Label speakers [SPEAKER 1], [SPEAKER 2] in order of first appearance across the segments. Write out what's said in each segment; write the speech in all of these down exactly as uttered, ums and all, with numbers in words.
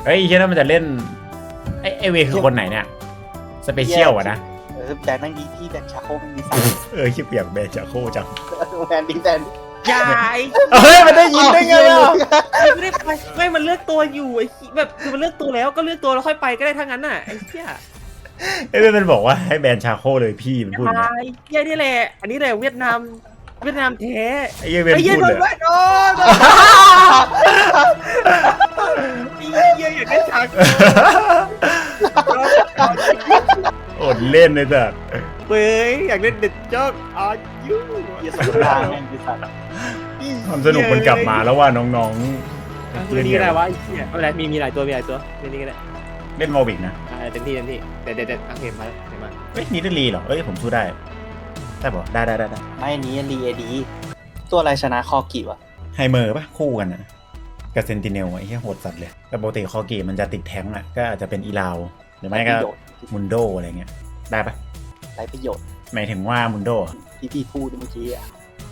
[SPEAKER 1] เฮ้ยเฮียนั่นมันจะเล่นไอไอเวคือคนไหนเนี่ยสเปเชียลอะนะ
[SPEAKER 2] เออแบนนั่งดีที่แบนชาโคมันมีสาม
[SPEAKER 1] เออคิดเปียกแบนจะโคจัง
[SPEAKER 2] แบนดีแบน
[SPEAKER 3] ยาย
[SPEAKER 1] เฮ้ยมันได้ยินได้ไงอ่ะ
[SPEAKER 3] ไม่ได้ไปไม่มันเลือกตัวอยู่ไอ้แบบคือมันเลือกตัวแล้วก็เลือกตัวแล้วค่อยไปก็ได้ทั้งนั้นน่ะไอ้เหี้ย
[SPEAKER 1] ไอเวมันบอกว่าให้แบนชาโคเลยพี่มันพูดอย่าง
[SPEAKER 3] ยา
[SPEAKER 1] เงี้ย
[SPEAKER 3] ยเหี้ยนี่แหละอันนี้แหละเวียดนามเวียดนามแท้
[SPEAKER 1] ไอเหี้ยเวน
[SPEAKER 3] ไอ้เหี้ย
[SPEAKER 1] พูด
[SPEAKER 3] โด
[SPEAKER 1] เล
[SPEAKER 3] น
[SPEAKER 1] ย
[SPEAKER 3] แวดโอ้โดนไอ้เหี้ยอยากได้ฉาก
[SPEAKER 1] อดเล่นเลยจ้ะ
[SPEAKER 3] เว้ยอยากเล่นเด็ดจ๊อกอายุ
[SPEAKER 2] เยี่ยสมราแม่งดิสัตว์
[SPEAKER 1] ความสนุกมันกลับมาแล้วว่าน้องๆ
[SPEAKER 3] เล่
[SPEAKER 1] เล่
[SPEAKER 3] น
[SPEAKER 1] น
[SPEAKER 3] นี่
[SPEAKER 1] กั
[SPEAKER 3] ก็ได้
[SPEAKER 1] น
[SPEAKER 3] วะไอ้เหี้ยไม่เป็นไรมีมีหลายตัวมีหลายตัวเล่นนี่ก็ได้
[SPEAKER 1] เล่นวอลวิกนะ
[SPEAKER 3] อ่าเต็มที่เต็มที่เด็ดเด็ดเด็ดโอเคมาแล้วเห็นมา
[SPEAKER 1] เฮ้ยนี่ได้รีเหรอเอ้ยผมสู้ได้ได้ปะได้ได้ได้ได้
[SPEAKER 2] ไม่อันนี้รีเอดีตัวอะไรชนะคอกิวะ
[SPEAKER 1] ไฮเมอร์ปะคู่กันนะกับเซนติเนลไอ้เหี้ยโหดสัตว์เลยแต่ปกติคอกีมันจะติดแท้งอ่ะก็อาจจะเป็นอีลาวหรือไม่ก็มุนโดอะไรเงี้ยได้ปะ
[SPEAKER 2] ไรประโยชน์
[SPEAKER 1] หมายถึงว่ามุนโด
[SPEAKER 2] ที่พี่พูดเมื่อกี้อะ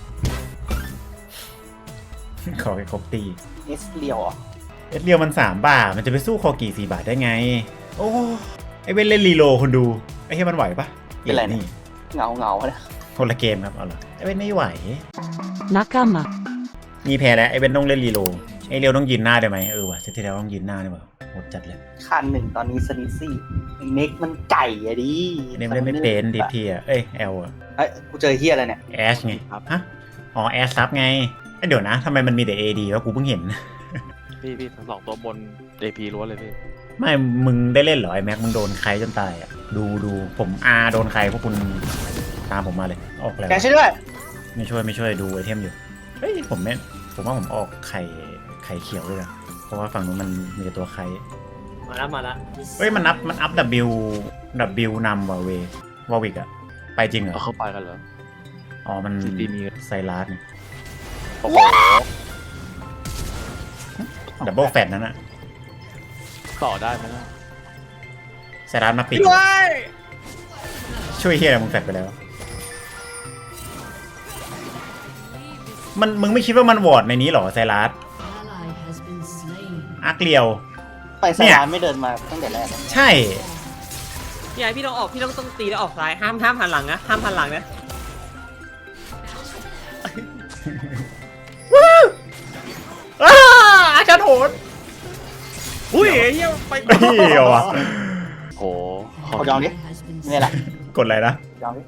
[SPEAKER 1] ขอแค่ครบตี
[SPEAKER 2] เอสเลียวอ่ะ
[SPEAKER 1] เอสเรียวมันสามบาทมันจะไปสู้คอกีสี่บาทได้ไงโอ้ไอเว้นเล่นรีโลคนดูไอ้เหี้ยมันไหวปะ
[SPEAKER 2] เป็นไร
[SPEAKER 1] นี่
[SPEAKER 2] เงาเงาๆนะ
[SPEAKER 1] คนละเกมครับเอาล่ะไอเว้นไม่ไหว
[SPEAKER 4] 仲間
[SPEAKER 1] มีแพ้แล้วไอเว้นต้องเล่นรีโลไอเรียวต้องยืนหน้าได้ไหมเออว่ะเซตที่แล้วต้องยืนหน้าได้ป่ะโหดจัดเลย
[SPEAKER 2] คันหนึ่งตอนนี้สนิซี่เน็กมันไก่อะดิ
[SPEAKER 1] อันนี้ไม่ได้ไม่เป็นดิทีอ่ะเอ้ยเอลอ่ะ
[SPEAKER 2] เอ้ยกูเจอเฮียอะไรเนี่ย
[SPEAKER 1] แอชไงฮะอ๋อแอชซับไงเอ้ยเดี๋ยวนะทำไมมันมีแต่ เอ ดี วะกูเพิ่งเห็น
[SPEAKER 5] พี่พี่ทั้งสองตัวบน เอ พี ล้วนเลยพี่
[SPEAKER 1] ไม่มึงได้เล่นเหรอไอแม็กมึงโดนใครจนตายอ่ะดูดูผมอาโดนใครพวกคุณตามผมมาเลยออกแล้ว
[SPEAKER 2] แกช่วยด้วย
[SPEAKER 1] ไม่ช่วยไม่ช่วยดูไอเทมอยู่เฮ้ยผมไม่ผมว่าผมออกไข่ไข่เขียวด้วยนะเพราะว่าฝั่งนู้นมันมีแต่ตัวไข่
[SPEAKER 3] มาแล้วมาแล้ว
[SPEAKER 1] เฮ้ยมันอัพมันอัพ W W นำว่ะเววอวิกอะไปจริงเหรอ
[SPEAKER 5] เอาเข้าไปกันเหรอ
[SPEAKER 1] อ๋อมัน
[SPEAKER 5] ซีตีมี
[SPEAKER 1] ไซรัสเนี่ย
[SPEAKER 5] โอ้โห
[SPEAKER 1] ดับเบิลแฟตนั่นอะ
[SPEAKER 5] ต่อได้ไหมนะ
[SPEAKER 1] ไซรัสมาปิด
[SPEAKER 3] ด้วย
[SPEAKER 1] ช่วยเฮียอะไรมึงแฟตไปแล้ว มันมึงไม่คิดว่ามันวอร์ดในนี้เหรอไซรัส
[SPEAKER 4] ally has been slain
[SPEAKER 1] อาร์เกลียว
[SPEAKER 2] ไปสนามไม่เดินมาตั้งแต่แรกเลย
[SPEAKER 1] ใช่
[SPEAKER 3] พี่ไอพี่ต้องออกพี่ต้องต้องตีแล้วออกซ้ายห้ามห้ามหันหลังนะห้ามหันหลังนะ
[SPEAKER 1] อ้าอาจารย์โหด
[SPEAKER 3] อุ้ยเฮียไป
[SPEAKER 1] เฮียวะ
[SPEAKER 5] โอ้โห
[SPEAKER 2] เขายองดิ
[SPEAKER 4] has been
[SPEAKER 2] นี่แหละ
[SPEAKER 1] กดอะไรนะ
[SPEAKER 2] ยองดิ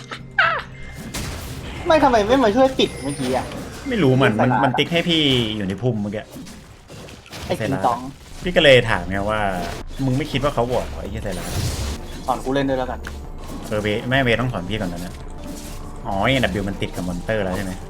[SPEAKER 2] ไม่ทำไมไม่มาช่วยปิดเมื่อกี้อ่ะ
[SPEAKER 1] ไม่รู้มันมันมันติ๊กให้พี่อยู่ในพุ่มเมื่อกี้
[SPEAKER 2] ไอ้กินตอง
[SPEAKER 1] พี่ก็เลยถามไงว่า มึงไม่คิดว่าเขาวอร์ดเหรอไอ้เหี้ยไซรัส
[SPEAKER 2] สอนกูเล่นด้วยแล้วกัน
[SPEAKER 1] เออเวแม่เวต้องถอนพี่ก่อนนะเนี่ยอ๋อไอ้ W มันติดกับมอนเตอร์แล้วใช่ไหม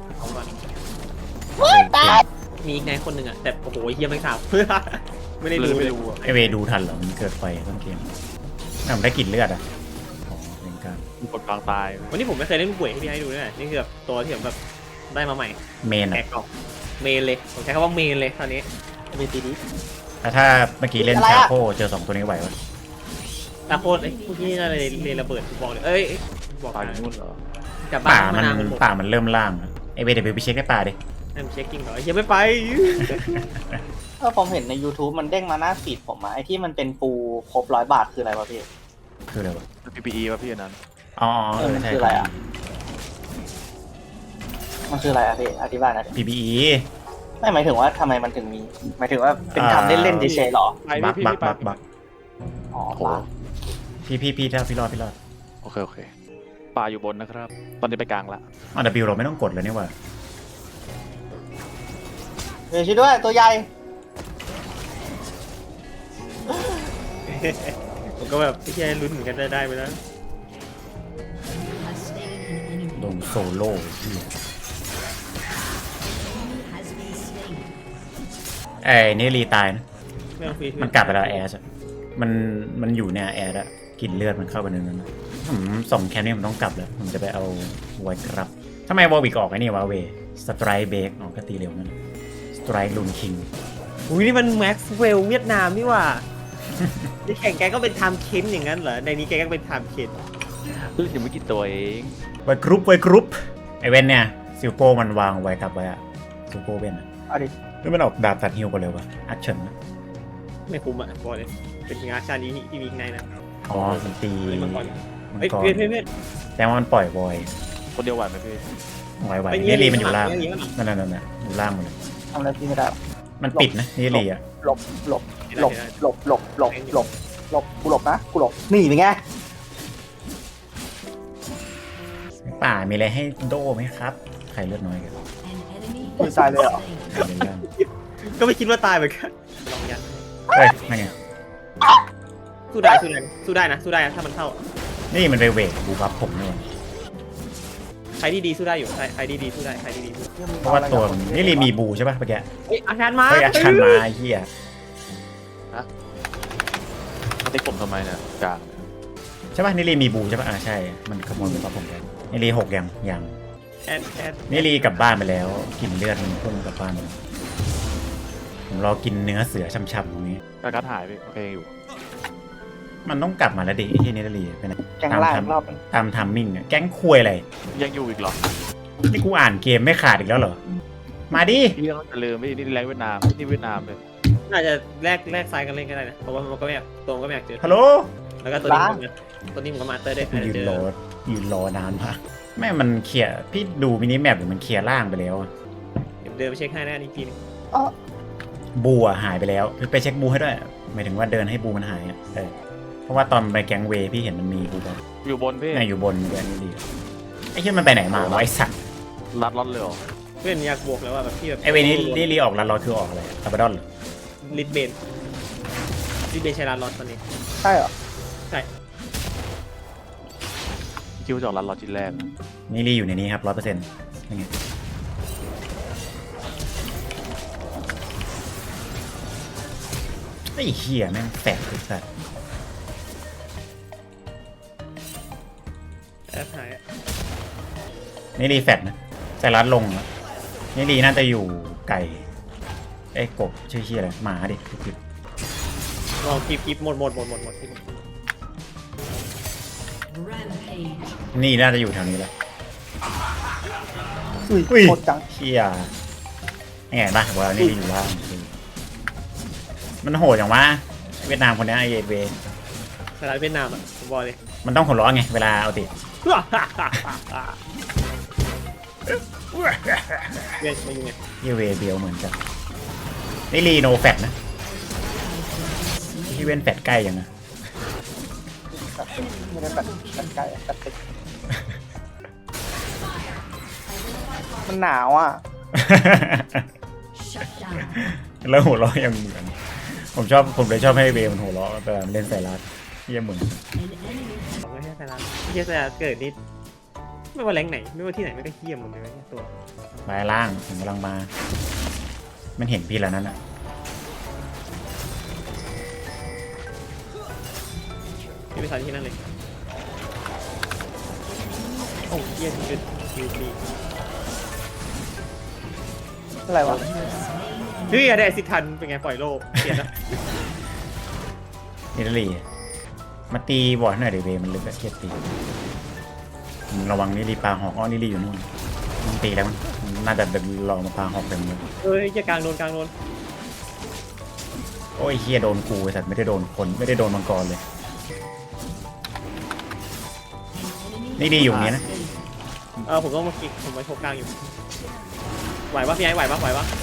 [SPEAKER 3] มีอีกนายคนหนึ่งอ่ะแต่โอ้โหเฮียไม่ถามเพื่อไม่ได้
[SPEAKER 5] เล
[SPEAKER 3] ดู
[SPEAKER 5] ย
[SPEAKER 3] เล
[SPEAKER 5] ไม่
[SPEAKER 3] ย
[SPEAKER 5] รู้อะ
[SPEAKER 1] ไอเวดูทันเหรอมันเกิดไฟต้นเกมน่ามันได้กลิ่นเลือดอ่ะอ๋อเป็นการ
[SPEAKER 5] กดกลางตาย
[SPEAKER 3] วันนี้ผมไม่เคยเล่นป่วยให้พี่ให้ดูเลยนี่คือแบบตัวที่ผมแบบได้มาใหม่
[SPEAKER 1] เมน
[SPEAKER 3] แอ
[SPEAKER 1] อ่ะ
[SPEAKER 3] กกล่องเมนเลยผมใช้คำว่าเมนเลยตอนนี้
[SPEAKER 2] มีตีนี้
[SPEAKER 1] แต่ถ้าเมื่อกี้เล่นชาโคเจอสองตัวนี้ไหววะ
[SPEAKER 3] ตาโคตรไอ้พวกนี้น่าจะเรียนระเบิดบอกเลยเอ้ยบอก
[SPEAKER 5] ตาย
[SPEAKER 3] นะ
[SPEAKER 5] อยู่นู่นเหรอ
[SPEAKER 3] กลับ
[SPEAKER 1] ป่า
[SPEAKER 3] บ้าน
[SPEAKER 1] มัน
[SPEAKER 3] นาวผม
[SPEAKER 1] ป่ามันเริ่มล่างอะไอเวเดี๋ยวไปเช็คให้ป่าดิ
[SPEAKER 3] ให้ผมเช็คกิ้งก่อนเฮียไม่ไป
[SPEAKER 2] เออผมเห็นใน YouTube มันเด้งมาหน้าฟีดผมอะไอ้ที่มันเป็นปูครบร้อยบาทคืออะไรวะพี่
[SPEAKER 1] คืออะไรวะ
[SPEAKER 5] พี พี อี ป่ะพี่อันนั้น
[SPEAKER 1] อ๋อเอ
[SPEAKER 2] เออ
[SPEAKER 1] อ
[SPEAKER 2] มัน
[SPEAKER 1] ใช่
[SPEAKER 2] คืออะไรอะ มันคืออะไรอะพี่อธิบายหนะ
[SPEAKER 1] พี พี อี
[SPEAKER 2] ไม่หมายถึงว่าทำไมมันถึงมี หมายถึงว่าเป็นทำเล่นๆเฉยๆหรอ
[SPEAKER 5] ไป
[SPEAKER 1] บัก
[SPEAKER 5] พี่
[SPEAKER 1] บัก
[SPEAKER 5] พี่ไป
[SPEAKER 1] บักบัก
[SPEAKER 2] อ๋อ
[SPEAKER 5] โอ้โห
[SPEAKER 2] ปะ
[SPEAKER 1] พี่พี่พี่ถ้าพี่รอดพี่รอด
[SPEAKER 5] โอเคโอเคปลาอยู่บนนะครับ ตอนนี้ไปกลางละ
[SPEAKER 1] อ๋อ W เราไม่ต้องกดเลยนี่หว่า
[SPEAKER 2] เดี๋ยวช่วยด้วยตัวใหญ่
[SPEAKER 3] ผมก็แบบพี่แค่ลุ้นเหมือนกันได้ได้ไปแล้ว
[SPEAKER 4] has slain an enemy
[SPEAKER 1] ลงโซโล่เหี้ย
[SPEAKER 4] has been slain
[SPEAKER 1] ไอ้นี่รีตายนะ
[SPEAKER 3] ไม่ต้องฟรี
[SPEAKER 1] มันกลับไปแล้วแอร์มันมันอยู่เนี่ยแอร์อะกลิ่นเลือดมันเข้าไปในนั้นนะผมส่งแคมป์นี่ผมต้องกลับแล้วผมจะไปเอาไว้ครับทำไมวอลวิกออกไอ้นี่วะเวสไตรเบรกออกก็ตีเร็วนั่นสไตรลูนคิง
[SPEAKER 3] อุ้ยนี่มันแม็กซ์เวลเวียดนามนี่ว่าที่แข่งแกก็เป็นไทม์เคนอย่างนั้นเหรอในนี้แกก็เป็นไทม์เคน
[SPEAKER 5] เล่นอยู่ไม่กี่ตัวเอง
[SPEAKER 1] ไว้กรุ๊ปไว้กรุ๊ปไอเวนเนี่ยซิลโป้มันวางไว้กลับไว้อะซิลโป้เวนอะ
[SPEAKER 2] เอาดิ
[SPEAKER 1] แล้วมันออกดาบตัดฮิวกันเลยวะอัดเฉินนะ
[SPEAKER 3] ไม่คุ้มอ่ะบอกเลยเป็นงาชานี้ที่มีในนะ
[SPEAKER 1] อ๋อมันตี
[SPEAKER 3] เฮ้ยมังกร
[SPEAKER 1] มัง
[SPEAKER 3] เฮ้ย
[SPEAKER 1] กร
[SPEAKER 3] เพื่อนเพื่อนเพื่อน
[SPEAKER 1] แต่ว่ามันปล่อยบอย
[SPEAKER 5] คนเดียวไหวไหมพี่
[SPEAKER 1] ไหวไหว
[SPEAKER 3] ไป
[SPEAKER 1] นี่รีมันอยู่ล่าง
[SPEAKER 3] เงี้ยเงี้ย
[SPEAKER 1] นั่นนั่นนั่นน่ะอยู่ล่างหมดเลย
[SPEAKER 2] ทำอะไรพี่ไม่ได้
[SPEAKER 1] มันปิดนะนี่รีอ่ะ
[SPEAKER 2] หลบหลบหลบหลบหลบหลบหลบหลบกูหลบนะกูหลบนี่เป็นไง
[SPEAKER 1] ป่ามีอะไรให้โดไหมครับใครเลือดน้อยกัน
[SPEAKER 4] An enemy
[SPEAKER 2] Ui,
[SPEAKER 4] has
[SPEAKER 2] sai
[SPEAKER 4] been
[SPEAKER 2] rồi ạ.
[SPEAKER 4] slain.
[SPEAKER 1] ใครเลือดล่าง
[SPEAKER 3] ก็ไม่คิดว่าตายเหมือนกันลองยัน
[SPEAKER 1] เฮ้ยนั่นไง
[SPEAKER 3] สู้ได้สู้ได้สู้ได้นะสู้ได้นะถ้ามันเข้า
[SPEAKER 1] นี่มันไปเวทบูบัฟผมนี่หว่า
[SPEAKER 3] ใครดีๆสู้ได้อยู่ใครใครดีๆสู้ได้ใครดีๆสู้
[SPEAKER 1] เพราะว่าตัวมันนี่รีมีบูใช่ป่ะเมื่อกี้
[SPEAKER 3] เฮ้ยอาชานมา
[SPEAKER 1] เฮ้ยอาชันมาไอ้เฮีย
[SPEAKER 5] มาติ๊กผมทำไมเนี่ยกลาง
[SPEAKER 1] ใช่ป่ะนี่รีมีบูใช่ป่ะอ่าใช่มันขโมยบูบัฟผมไปนี่รีหกยังยัง
[SPEAKER 3] แอดแอด
[SPEAKER 1] นี่รีกลับบ้านไปแล้วกินเลือดมันพุ่งกลับบ้านไปแล้วผมรอกินเนื้อเสือช่ำๆตรงนี้
[SPEAKER 5] กากัดหายพี่โอเคอยู่
[SPEAKER 1] มันต้องกลับมาแล้วดิไอ้เฮียนี่รีไปไหน
[SPEAKER 2] แกงล่างอีกรอบนึง
[SPEAKER 1] ตามทัมมิ่งอะแก๊งควยอะไร
[SPEAKER 5] ยังอยู่อีกเหรอ
[SPEAKER 1] นี่กูอ่านเกมไม่ขาดอีกแล้วเหรอมาดิ
[SPEAKER 5] พี่ต้องอย่าลืมพี่นี่แรงเวียดนามนี่เวียดนามเลย
[SPEAKER 3] น่าจะแลกแลกซ้ายกันเล่นก็ได้นะเพราะว่ามันก็ไม่อยากตัวมันก็ไม่อยากเจอ
[SPEAKER 1] ฮัลโหล
[SPEAKER 3] แล้วก็ตัวนี้มันก็ตัวนี้มันก็มาเตอร์ได้
[SPEAKER 1] กูยืน
[SPEAKER 3] เจ
[SPEAKER 1] ร
[SPEAKER 3] อ
[SPEAKER 1] อยืนรอนานมากแม่มันเคลียร์พี่ดูมินิแมปหรือมันเคลียร์ล่างไปแล้วอะ
[SPEAKER 3] เดี๋ยวเดินไปเช็คให้นะอีกทีนึง
[SPEAKER 2] อ๋อ
[SPEAKER 1] บูอะหายไปแล้วไปเช็คบูให้ด้วยหมายถึงว่าเดินให้บูมันหายอะเออเพราะว่าตอนไปแก๊งเวย์พี่เห็นมันมีบูบัฟ
[SPEAKER 5] อยู่บนพี่
[SPEAKER 1] นี่อยู่บนแกนนี่ดีไอ้เหี้ยมันไปไหนมาวะไอ้สัตว์
[SPEAKER 5] รัดรอดเลยเหรอ
[SPEAKER 3] เพื่อนอยากบวกแล้วว่าแบบที่แบบ
[SPEAKER 1] ไอ้เวย์นี้นี่รีออกแล้วรอคือออกอะไรอับดอนเหรอ
[SPEAKER 3] ลิดเบนลิดเบนใช้ร้านร้อนตอนนี้
[SPEAKER 2] ใช่เหรอ
[SPEAKER 3] ใช่
[SPEAKER 5] คิดว่าจะออกรัดรอดชิ้นแรกนะ
[SPEAKER 1] นี่รีอยู่ในนี้ครับร้อยเปอร์เซ็นต์ยังไงไอ้เหี้ยแม่งแฝงไอ้สัตว์
[SPEAKER 3] แอดหาย
[SPEAKER 1] นี่รีแฟดนะแต่รัดลงแล้วนี่รีน่าจะอยู่ไก่ไอ้กบชื่อเหี้ยอะไรหมาดิผิด
[SPEAKER 3] ลองคีบคีบหมดหมดหมดหมดหมด
[SPEAKER 4] Rampage.
[SPEAKER 1] นี่น่าจะอยู่แถวนี้แหละ
[SPEAKER 2] อุ้ย
[SPEAKER 1] อุ้ย
[SPEAKER 2] โคตรจัง
[SPEAKER 1] เชี่ยยังไงบ้างว่านี่อยู่ล่างมันโหดอย่างวะเวียดนามคนนี้ไอเอเว
[SPEAKER 3] สถานเวียดนามอ่ะผมบอกเลย
[SPEAKER 1] มันต้องหัวเราะไงเวลาเอาติด
[SPEAKER 3] เวียดมาอยู่ไง
[SPEAKER 1] เยเวเบียวเหมือนกันนี่รีโนแฟตนะที่เว้นแฟตใกล้ยังนะ
[SPEAKER 2] ไม่ได้แบบแบบไกลแบบติดมันหนาวอ่ะ
[SPEAKER 4] Shut down.
[SPEAKER 1] แล้วหัวเราะยังเหมือนผมชอบผมเลยชอบให้เวมันหัวเราะแต่เล่นใส่รัดเยี่ยเหมือน
[SPEAKER 4] An enemy
[SPEAKER 3] ไม่ใช่สถานไม่ใช่สถานเกิดนิดไม่ว่าแรงไหนไม่ว่าที่ไหนไม่ก็เขี้ยมหมดเลยเนี่ยตัว
[SPEAKER 1] ไปล่างผมกำลังมา มันเห็นพี่แล้วนั้นอ่ะ
[SPEAKER 3] ที่ไปสถานที่นั่นเลยโอ้เยี่ยมจุดคิวบี
[SPEAKER 2] อะไรวะ
[SPEAKER 3] เฮ้ยได้สิทันเป็นไงปล่อยโลเปลี่ยนนะ
[SPEAKER 1] นิลลีมาตีบอร์ดหน่อยเดเวมันลึกอะเกียดตีอืมระวังนิลลีปลาหอกอ้อนิลลีอยู่นู่นมันตีแล้วมันน่าจะเดินรอมาปลาหอกเต็มเลย
[SPEAKER 3] เฮ้ยจะกลางโดนกลางโดน
[SPEAKER 1] โอ้ยเฮียโดนกูไอ้สัตว์ไม่ได้โดนคนไม่ได้โดนมังกรเลย นี่ดีอยู่อย่างนี้นะ
[SPEAKER 3] เออผมต้องมากิกผมไปโชกกลางอยู่ไหวปะพี่ไอ้ไหวปะไหวปะ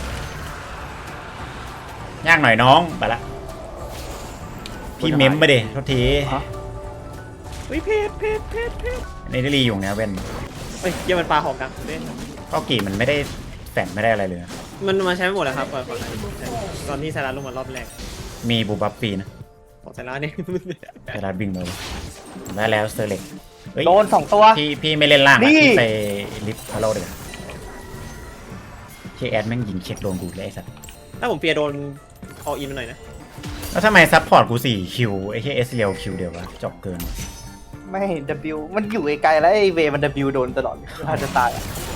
[SPEAKER 1] ยากหน่อยน้องไปละพี่เม้มไปดิโทษที
[SPEAKER 3] เฮ้ยเพจเพจเพจเพจ
[SPEAKER 1] นี่ได้รีอยู่นะเว้น
[SPEAKER 3] เฮ้ยเยี่ยมันปลาหอกกลางเล่น
[SPEAKER 1] ก็กี่มันไม่ได้แฝงไม่ได้อะไรเลย
[SPEAKER 3] มันมาใช้ไม่หมดแล้วครับก่อนก่อนตอนที่ไซรัสลงมารอบแรก
[SPEAKER 1] มีบูบัฟฟรีนะ
[SPEAKER 3] ของไซรัสเนี่ย
[SPEAKER 1] ไทยรัฐบิงเลยได้แล้วเซอร์เล็กเฮ้ย
[SPEAKER 2] โดนสองตัว
[SPEAKER 1] พี่พี่ไม่เล่นล่าง
[SPEAKER 2] นี่
[SPEAKER 1] อะพี่ไปลิฟต์พาโลเลยเช็คแอดแม่งยิงเช็คโดนกูเลยไอ้สัตว์
[SPEAKER 3] ถ้าผมเปียโดนอออินมาหน่อยนะ
[SPEAKER 1] แล้วทำไมซัพพอร์ตกูสี่คิวไอ้แค่เอสเรียวคิวเดียววะจบเกิน
[SPEAKER 2] ไม่ W มันอยู่ไกลๆแล้วไอ้เวมัน W โดนตลอดถ้าจะตายอะ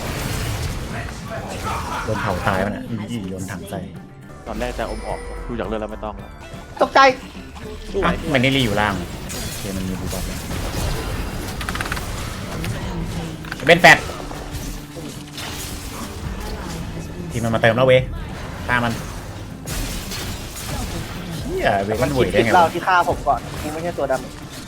[SPEAKER 1] โดนเผาตายมันอ่ะยี่โยนถังใส่
[SPEAKER 5] ตอนแรกจะอมออกดูจากเรื่องแล้วไม่ต้องแล้ว
[SPEAKER 2] ตกใจ
[SPEAKER 3] สู้ไหว
[SPEAKER 1] อ่ะมันนี่รีอยู่ล่างโอเคมันมีบูบัฟแล้วเป็นแฟดทีมมันมาเติมแล้วเว้ยตามมัน
[SPEAKER 3] เฮีย
[SPEAKER 1] ยเว
[SPEAKER 2] มั
[SPEAKER 1] กัน นห
[SPEAKER 2] คิ
[SPEAKER 1] ว
[SPEAKER 2] ด
[SPEAKER 1] ยได้
[SPEAKER 2] ผิด
[SPEAKER 1] ไง
[SPEAKER 2] เรา
[SPEAKER 1] วะ
[SPEAKER 2] ที่ฆ่าผมก่อนกูไม่ใช่ตัวด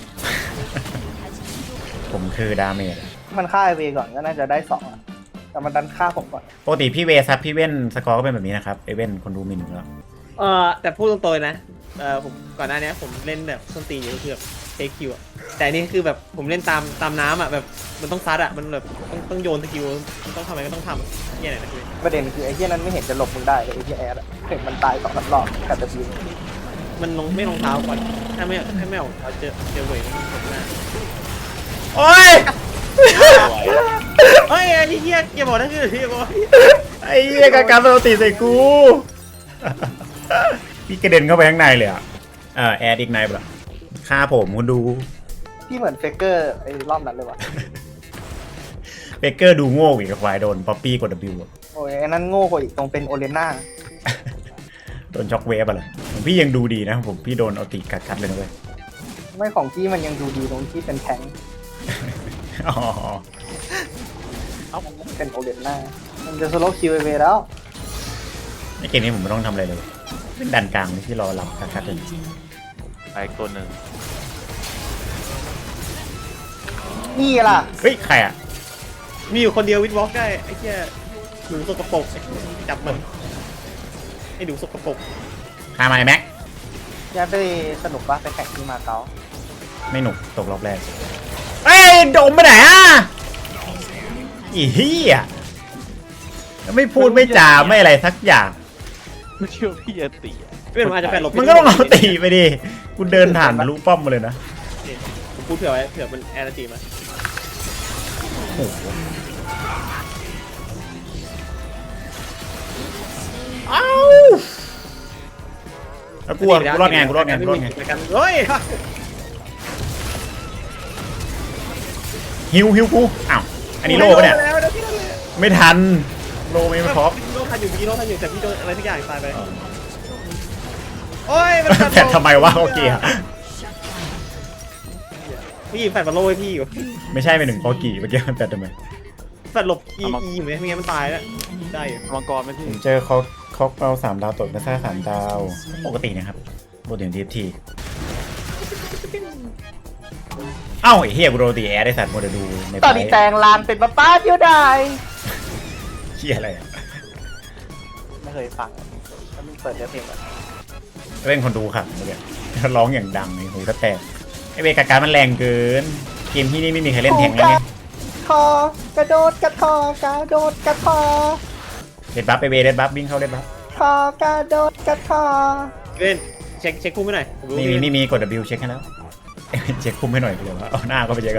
[SPEAKER 1] ผมคือดาเมจ
[SPEAKER 2] ำมันฆ่าไอเวก่อนก็น่าจะได้สองอะแต่มันดันฆ่าผมก่อน
[SPEAKER 1] ปกติพี่เวซับพี่เว้นสกอร์ก็เป็นแบบนี้นะครับไอเว้นคนดูหมินอยู่แล้ว
[SPEAKER 3] เออแต่พูดตรงๆนะเออผมก่อนหน้านี้ผมเล่นแบบส้นตีนอยู่คือแบบเทคคิวอะแต่อันนี่คือแบบผมเล่นตามตามน้ำอ่ะแบบมันต้องซัดอ่ะมันแบบต้องต้องโยนสกิลต้องทำอะไรก็ต้องทำเนี่ยไหนนะคือ
[SPEAKER 2] ประเด็นคือไอ้เหี้ยนั้นไม่เห็นจะหลบมึงได้เลยไอ้เหี้ยแอดอะเห็นมันตายสองสามรอบกับจะบิว
[SPEAKER 3] มันลงไม่ลงเท้าก่อนถ้าไม่ถ้าไม่ออกเท้าเจอเจอเวทมันตกหน้า
[SPEAKER 1] โอ้ย
[SPEAKER 3] เฮ้ยไอ้เหี้ยอย่าบอกนะคือที่บอก
[SPEAKER 1] ไอ้เหี้ยกาการโรตีใส่กู พี่กระเด็นเข้าไปข้างในเลยอ่ะเออแอดอีกในปะฆ่าผมคุณดู
[SPEAKER 2] พี่เหมือนเฟกเกอร์ไอ้รอบนั้นเลยว่ะ
[SPEAKER 1] เบเกอร์ดูโง่อีกกับควายโดนป๊อปปี้กด W อะ
[SPEAKER 2] โอ้ยไอ้นั้นโง่กว่าอีกตรงเป็นโอเลน่า
[SPEAKER 1] โดนช็อกเวฟอะไรผมพี่ยังดูดีนะผมพี่โดนเอาตีกัดกัดเลยนะเว้ย
[SPEAKER 2] ไม่ของพี่มันยังดูดีตรงที่เป็นแทงค์
[SPEAKER 1] อ๋อ
[SPEAKER 2] เป็นโอเลน่ามันจะสโลว์คิวไอเวแล้ว
[SPEAKER 1] ในเกมนี้ผมไม่ต้องทำอะไรเลยเป็นดันกลางที่รอรับกัดกัดเลย
[SPEAKER 5] ไปอีกตัวหนึ่ง
[SPEAKER 2] นี่ล่ะ
[SPEAKER 1] เฮ้ยใครอ่ะ
[SPEAKER 3] มีอยู่คนเดียววิดวอล์กได้ไอ้เหี้ยหนูสกปรกจับมันไอ้หนูสกปรก
[SPEAKER 1] พามาไอ้แม็ก
[SPEAKER 2] ยายไปสนุกปะไปแข่งที่มาเก๊า
[SPEAKER 1] ไม่หนุกตกรอบแรกเอ้ยโดมไปไหนอ่ะอีเหี้ยแล้วไม่พูดไม่จาไม่อะไรสักอย่าง
[SPEAKER 5] ไม่เชื่อพี่จะตีอะ
[SPEAKER 3] เป็นมันอาจจะแฟนหลบ
[SPEAKER 1] มันก็ต้องเอาตีไปดิกูเดินผ่านทะลุป้อมมาเลยนะ
[SPEAKER 3] ผมพูดเผื่อไว้เผื่อมันแอร์ตีมา
[SPEAKER 1] โอ้โหเอ้าแล้วกูอะกูรอดไงกูรอดไงกูรอดไง
[SPEAKER 3] เฮ้ย
[SPEAKER 1] ฮิวฮิวกูอ้าวอันนี้โลปะเนี่ยไม่ทันโลไม่พอ
[SPEAKER 3] โลทันอยู่พี่โลทันอยู่แต่พี่โดนอะไรทุกอย่างตายไปโอ้ยมัน
[SPEAKER 1] แต่ทำไมวะโอเคอะ
[SPEAKER 3] พี่แฟนมาโลให้พี่อยู่
[SPEAKER 1] ไม่ใช่ไปหนึ่งพอกี่เมื่อกี้มันแต่ทำไม
[SPEAKER 3] แฟนหลบอีอีอยู่ไหมไม่งั้นมันตายแล้วได้อยู่
[SPEAKER 5] มังกรไหมพี่
[SPEAKER 1] ผมเจอเขาเขาเอาสามดาวตกมาซ่าสามดาวปกตินะครับปกติทีทีเอ้าไอ้เฮียกูโดนตีแอร์ได้สัตว์โมเดลดูใน
[SPEAKER 2] ตอนนี้แตงลานเป็นป้าป้าเดียวได้
[SPEAKER 1] เฮียอะไรอะ
[SPEAKER 2] ไม่เคยฟังแล้วมึงเปิดเนื้อเพลงก่อน
[SPEAKER 1] เล่นคนดูครับเมื่อกี้ร้องอย่างดังเลยหูก็แตกไอเวกาการมันแรงเกินเกมที่นี่ไม่มีใครเล่นแทงเลยเนี่ย
[SPEAKER 2] คอกระโดดกระทอกระโดดกระทอ
[SPEAKER 1] เด็ดบัฟไปเวเด็ดบัฟวิ่งเข้าเด็ดบัฟ
[SPEAKER 2] คอกระโดดกระทอ
[SPEAKER 3] เล่นเช็คเช็คคู่ไม่หน่อยผมรู้
[SPEAKER 1] นี่มีนี่มีกด W เช็คให้แล้ว เช็คคุมให้หน่อยเดี๋ยวว่าเอาหน้าก็ไปเช็คกัน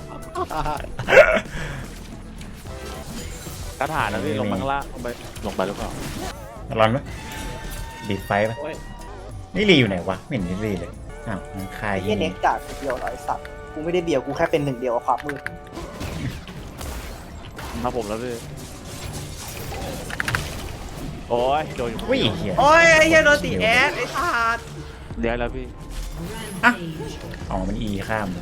[SPEAKER 5] กระถานนะพี่ลงมาข้างล่างลงไปลงไปหรือเปล่า
[SPEAKER 1] ร้อนไหมบีบไฟปะ
[SPEAKER 3] โอ้ย
[SPEAKER 1] นี่รีอยู่ไหนวะไม่เห็นนี่รีเลยอ้าวมันคาย
[SPEAKER 2] ไอ้เหี้ยเน็กจากเดียวร้อยสัตว์กูไม่ได้เบียวกูแค่เป็นหนึ่งเดียวกับความมืด
[SPEAKER 5] มาผมแล้วพี่โอ้ยโดนอยู่
[SPEAKER 1] วิ่งเหี้ย
[SPEAKER 3] โอ้ยไอ้เหี้ยโดนตีแอดไอ้ขาด
[SPEAKER 5] เลี้ยงแล้วพี่
[SPEAKER 4] Rampage.
[SPEAKER 1] อ๋อมันอีข้ามเลย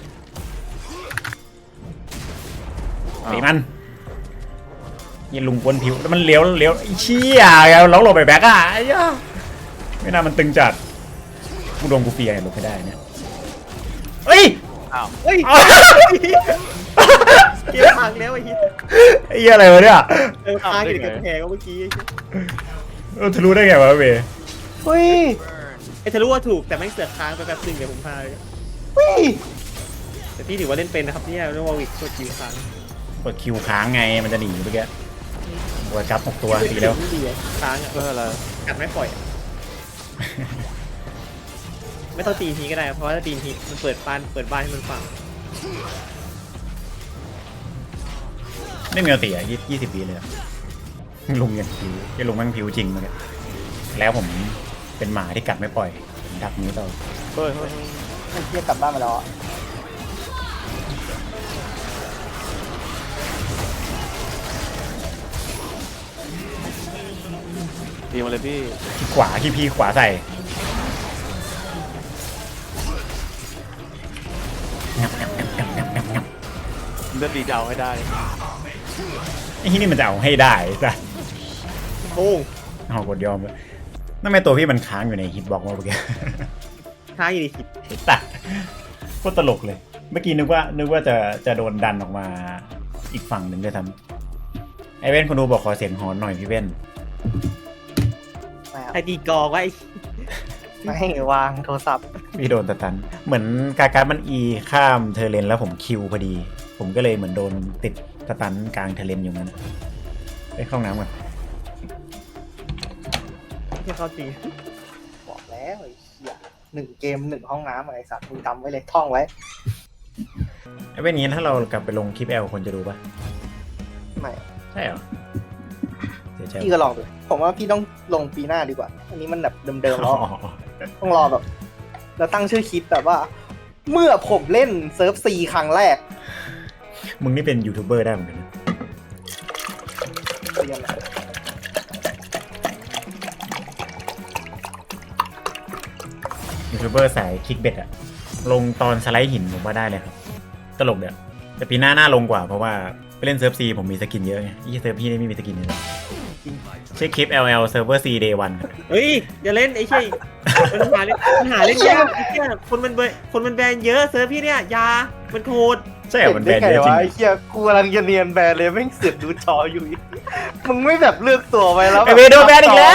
[SPEAKER 5] อ้าว
[SPEAKER 1] ตีมันยิงลุงบนผิวแล้วมันเลี้ยวเลี้ยวไอ้เชี่ยแล้วหลบไปแบ็กอ่ะไอ้ย่าไม่น่ามันตึงจัดกูโดนกูเฟียร์หลบไม่ได้เนี่ยเฮ้ย
[SPEAKER 5] อ้าว
[SPEAKER 3] เฮ้ย
[SPEAKER 1] อ้าว
[SPEAKER 3] เกมพังแล้วไอ้เหี้ย
[SPEAKER 1] ไอ้เหี้ยอะไรวะเนี่ย
[SPEAKER 3] เออพังอยู่ในกระแพงเมื่อกี้
[SPEAKER 1] เออทะลุได้ไงวะเว
[SPEAKER 2] เฮ้ย
[SPEAKER 3] ไอ้ทะลุว่าถูกแต่แม่งเสือกค้างไปแป๊บนึงเดี๋ยวผมพาเลย
[SPEAKER 2] เฮ้ย
[SPEAKER 3] แต่พี่ถือว่าเล่นเป็นนะครับเนี่ยเรื่องวอลวิกกดคิวค้าง
[SPEAKER 1] กดคิวค้างไงมันจะหนีเมื่อกี้หัวจับหกตัวตีแล้ว
[SPEAKER 3] ไม่ดีอะค้างอ่ะ
[SPEAKER 5] เพื่ออะไร
[SPEAKER 3] กัดไม่ปล่อยอะไม่ต้องตีทีก็ได้เพราะว่าถ้าตีทีมันเปิดบ้านเปิดบ้านให้มันฟัง
[SPEAKER 1] ไม่มีเอาตีอ่ะยี่ยี่สิบปีเลยอะลุงยังผิวไอ้ลุงแม่งผิวจริงเมื่อกี้แล้วผมเป็นหมาที่กัดไม่ปล่อยผมดักนี้ต่อ
[SPEAKER 5] เฮ้ยเฮ้ยเฮ้ย
[SPEAKER 2] ไอ้เหี้ยกลับบ้านมาแล้วอะ
[SPEAKER 5] ตีมาเลยพี่
[SPEAKER 1] ขี้ขวาขี้พีขวาใส่งับงับงับงับงับงับงับ
[SPEAKER 5] เลือดดีจะเอาให้ได้
[SPEAKER 1] ไอ้ที่นี่มันจะเอาให้ได้จ้ะ
[SPEAKER 3] โอ้ง
[SPEAKER 1] เอากดยอมเลยนั่นไม่ตัวพี่มันค้างอยู่ในฮิตบ็อกซ์เมื่อกี้
[SPEAKER 3] ค้างอยู่ในคลิป
[SPEAKER 1] ตัดโคตรตลกเลย เมื่อกี้นึกว่านึกว่าจะจะโดนดันออกมาอีกฝั่งหนึ่งด้วยซ้ำไอเว้นคนดูบอกขอเสียงฮอนหน่อยพี่เว้น
[SPEAKER 2] ไม่เอา
[SPEAKER 3] ไอตีกองไว้
[SPEAKER 2] ไม่วางโทรศัพท์
[SPEAKER 1] พี่โดนตะตัน เหมือนกาการมันอีข้ามเทอร์เลนแล้วผมคิวพอดี ผมก็เลยเหมือนโดนติดตะตันกลางเทอร์เลนอยู่นั้นไปเข้าห้องน้ำก่อน
[SPEAKER 3] แค่เข้าจริง
[SPEAKER 2] บอกแล้วไอ้เหี้ยหนึ่งเกมหนึ่งห้องน้ำไอ้สัตว์มึงจำไว้เลยท่องไว้
[SPEAKER 1] ไอเว้นนี้ถ้าเรากลับไปลงคลิปแอลคนจะดูปะ
[SPEAKER 2] ไม่
[SPEAKER 1] ใช่เหรอเสียใจ
[SPEAKER 2] พี่ก็ลองดูผมว่าพี่ต้องลงปีหน้าดีกว่า อันนี้มันแบบเดิมๆแล้ว
[SPEAKER 1] อ๋อ
[SPEAKER 2] ต้องรอแบบ แล้วตั้งชื่อคลิปแบบว่า เมื่อผมเล่นเซิร์ฟซีครั้งแรก
[SPEAKER 1] มึงนี่เป็นยูทูบเบอร์ได้เหมือนกันนะ
[SPEAKER 2] เรียนอะไร
[SPEAKER 1] ยูทูบเบอร์สายคลิกเบ็ดอะลงตอนสไลด์หินผมว่าได้เลยครับ ตลกเดี๋ยวแต่ปีหน้าหน้าลงกว่าเพราะว่าไปเล่นเซิร์ฟซีผมมีสกินเยอะไงยี่เซิร์ฟพี่นี่ไม่มีสกินเลยนะชื่อคลิป แอล แอล Server C Day วัน
[SPEAKER 3] เฮ้ยอย่าเล่นไอ้เชี่ยมันหาเล่นมันหาเล่นยากไอ้เชี่ยคนมันเบยคนมันแบนเยอะเซิร์ฟพี่เนี่ยยามันโหด
[SPEAKER 1] ใช่เหรอมันแบนเยอะจริง
[SPEAKER 2] ไอ้เหี้ยกูกำลังจะเนียนแบนเลยแม่งเสือกดูจออยู่อีกมึงไม่แบบเลือกตัวไปแล้ว
[SPEAKER 1] ไอเวโดนแบนอีกแล้ว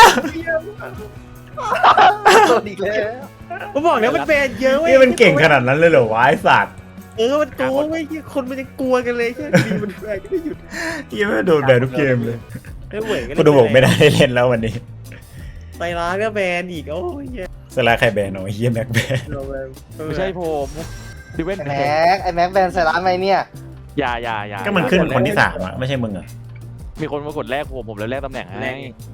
[SPEAKER 2] โดนอีกแล้ว
[SPEAKER 3] ผมบอกแล้วมันแบนเยอะเว้ย
[SPEAKER 1] นี่มันเก่งขนาดนั้นเลยเหรอวะไอสัตว์
[SPEAKER 3] เออมันโกงเว้ยคนมันจะกลัวกันเลยใช่ไหมดีมันแบนก็ไม่หยุด
[SPEAKER 1] ยี่ไม่โดนแบนทุกเกมเลย
[SPEAKER 3] ไม่เหวยกัน
[SPEAKER 1] กูดูบอกไม่ได้เล่นแล้ววันนี้
[SPEAKER 3] ไตร้านก็แบนอีกโอ้ยเหี้ย
[SPEAKER 1] สลาใครแบนเนาะเฮียแม็กแบน
[SPEAKER 3] เราแบน
[SPEAKER 5] ไม่ใช่ผมพี่เว้น
[SPEAKER 2] ไอ้แม็กไอ้แม็กแบนใส่ร้านไหมเนี่ย
[SPEAKER 5] อย่าอย่าอย่า
[SPEAKER 1] ก็มันขึ้นคนที่สามอะไม่ใช่มึงเหรอ
[SPEAKER 5] มีคนมากดแลกผมผมเลยแลกตำแหน่งให้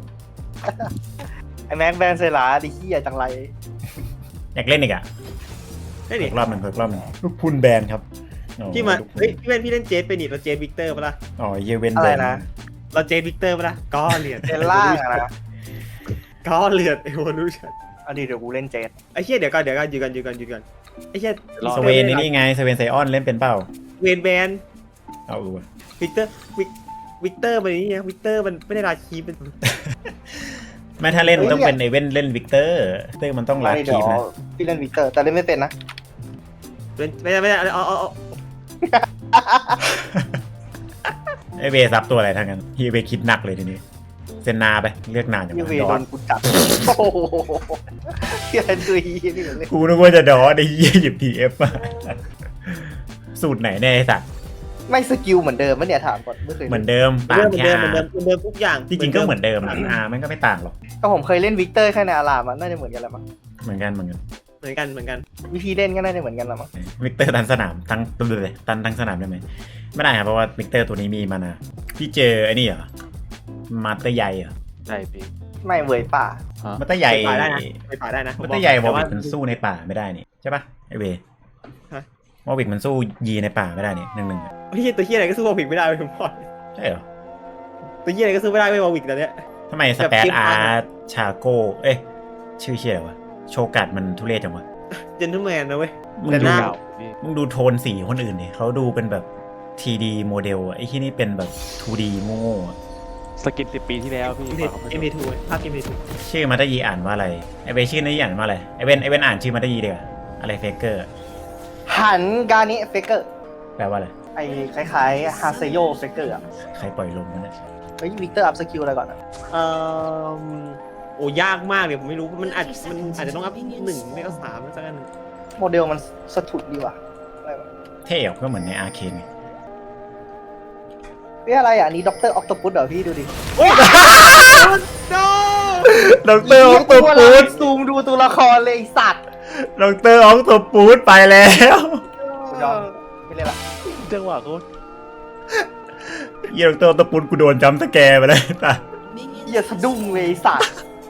[SPEAKER 2] ไอ้แม็กแบนใส่ร้านดิขี้ใหญ่จังไร
[SPEAKER 1] อยากเล่นอีกอะ
[SPEAKER 3] ได้ดิ
[SPEAKER 1] อีกรอบหนึ่งอีกรอบหนึ่งลูกพุนแบนครับอ๋อ
[SPEAKER 3] พี่มา
[SPEAKER 1] ลูกพุน
[SPEAKER 3] เฮ้ยพี่เล่นพี่เล่นเจสเป็นดิเราเจสวิกเตอร์ปะล่ะ
[SPEAKER 1] อ๋อเยเวน
[SPEAKER 2] อะ
[SPEAKER 1] แบ
[SPEAKER 2] ไร
[SPEAKER 1] น
[SPEAKER 2] นะ
[SPEAKER 3] เราเจสวิกเตอร์ปะล่ะก็เหรียญ
[SPEAKER 2] เจนล่างอะนะ
[SPEAKER 3] ก็เหรียญเอวอลูชัน
[SPEAKER 2] เอาดีเดี๋ยวกูเล่นเจน
[SPEAKER 3] ไอ้เชี่ยเดี๋ยวก่อนเดี๋ยวก่อนอยู่กันอยู่กันอยู่กันไอ้เชี่ย
[SPEAKER 1] สเวนนี่ไงสเวนไซออนเล่นเป็นเปล่า
[SPEAKER 3] เวนแบน
[SPEAKER 1] เอาอูะ
[SPEAKER 3] วิกเตอร์วิกวิกเตอร์มันนี่ไงวิกเตอร์มันไม่ได้ราคีเป็น
[SPEAKER 1] ไม่ถ้าเล่นต้องเป็นไอเว่นเล่นวิกเตอร์วิกเตอร์มันต้องลา
[SPEAKER 2] ไม่
[SPEAKER 1] คี
[SPEAKER 2] เดี๋ยว
[SPEAKER 1] ฟนะ
[SPEAKER 2] พี่เล่นวิกเตอร์แต่เล่นไม่เป็นนะ
[SPEAKER 3] เป็นไม่ได้ไม่ได้เอาเอาเอา
[SPEAKER 1] ไอเวซับตัวอะไรทั้งนั้นฮีเวคิดหนักเลยทีนี้เซนนาไปเลือกนานอย่าง
[SPEAKER 2] ยู
[SPEAKER 1] ไร
[SPEAKER 2] เว
[SPEAKER 1] ดอ
[SPEAKER 2] โด
[SPEAKER 1] น
[SPEAKER 2] นกูจับโอ้โหเฮียดูอีนี่เลย
[SPEAKER 1] กูนึกว่าจะดอไอ้เหี้ยหยิบทีเอฟมาสูตรไหนแน่ยไอ้สัตว์
[SPEAKER 2] ไม่สกิลเหมือนเดิมมั้ยเนี่ยถามก่อนไม่เคย
[SPEAKER 1] เหมือนเดิม
[SPEAKER 3] เหมื
[SPEAKER 1] ต่าง
[SPEAKER 3] อน
[SPEAKER 1] แค่
[SPEAKER 3] เดิมเหมือนเดิมเหมือนเดิมทุกอย่าง
[SPEAKER 1] จริงๆก็เหมือนเดิมอ่ะอามันก็ไม่ต่างหรอก
[SPEAKER 2] ก็ผมเคยเล่นวิกเตอร์แค่ในอารามมันน่าจะเหมือนกันแหละมั้ง
[SPEAKER 1] เหมือนกันเหมือนกัน
[SPEAKER 3] เหมือนกันเหมือนกัน
[SPEAKER 2] วิธีเล่นก็น่าจะเหมือนกันแหละมั้ง
[SPEAKER 1] วิกเตอร์ตันสนามทั้งตัวเลยตันทั้งสนามได้ไหมไม่ได้ครับเพราะว่าวิกเตอร์ตัวนี้มีมานาพี่เจอไอ้นี่เหรอมาเตอร์ใหญ่เหรอ
[SPEAKER 5] ใช่พี่
[SPEAKER 2] ไม่เวยป่า
[SPEAKER 5] ฮะ
[SPEAKER 1] มาเตอร์ใหญ่
[SPEAKER 3] ไปป่าได้นะไปป่าได้นะ
[SPEAKER 1] มาเตอร์ใหญ่วอลวิกมันสู้ในป่าไม่ได้นี่ใช่ปะไอเววอลวิกมันสู้ยีในป่าไม่ได้นี่หนึ่งหนึ่ง
[SPEAKER 3] พี่ตัวเฮียอะไรก็สู้วอลวิกไม่ได้เลยผมบอก
[SPEAKER 1] ใช่เหรอ
[SPEAKER 3] ตัวเฮียอะไรก็สู้ไม่ได้ไม่วอลวิกตอนเนี้ย
[SPEAKER 1] ทำไมสเปซอาร์ชาโกเอ้ยชื่อเชี่ยอะไรวะโชกัดมันทุเรศจังวะ
[SPEAKER 3] เจนเทลแมนนะเว้ย
[SPEAKER 1] มึง
[SPEAKER 3] แต่ห
[SPEAKER 1] ดู
[SPEAKER 3] น้า
[SPEAKER 5] เก่าพี่
[SPEAKER 1] มึงดูโทนสีคนอื่นดิเขาดูเป็นแบบ ที ดี โมเดลอะไอ้ที่นี่เป็นแบบ ทู ดี โง่ๆอะ
[SPEAKER 5] สกินสิบปีที่แล้วพี่
[SPEAKER 3] เอ็มพีทูภาพเอ็มพีทู
[SPEAKER 1] ชื่อมาตายีอ่านว่าอะไรไอเวนชื่อนายีอ่านว่าอะไรไอเวนไอเวนอ่านชื่อมาตายีเดียวาอะไรเฟเกอร์
[SPEAKER 2] หันกานิเฟเกอร์
[SPEAKER 1] แปลว่าอะไร
[SPEAKER 2] ไอ้คล้ายๆฮาเซโยเฟเกอร์อ่ะ
[SPEAKER 1] ใครปล่อยลมมันเนี่ย
[SPEAKER 2] เฮ้ยวิกเตอร์อัพสกิลอะไรก่อนอ่ะ
[SPEAKER 3] เอ่อโอ้ยากมากเลยผมไม่รู้มันอาจมันอาจจะต้องอัพหนึ่งไม่ก็สามสักอันหนึ่ง
[SPEAKER 2] โมเดลมันสะทุดดีว่ะอะไรวะ
[SPEAKER 1] เท่อะก็เหมือนในอาร์เคนไง
[SPEAKER 2] เฮ้ยอะไรอ่ะอันนี้ด็อกเตอร์ออคโตปุสเหรอพี่ดูดิ
[SPEAKER 3] โน
[SPEAKER 1] ด็อกเตอร์ออกตัวปูด
[SPEAKER 2] ซูมดูตัวละครเลยไอ้สัตว์
[SPEAKER 1] ด็อกเตอร์ออกตัวปูดไปแล้ว
[SPEAKER 2] กูยอมไม่เล่นละ
[SPEAKER 5] จังหวะโคตร
[SPEAKER 1] เยี่ยด็อกเตอร์ออกตัวปูดกูโดนจัมป์สแกร์ไปเลยตา
[SPEAKER 2] เหี้ยสะดุ้งเลยไอ้สัตว์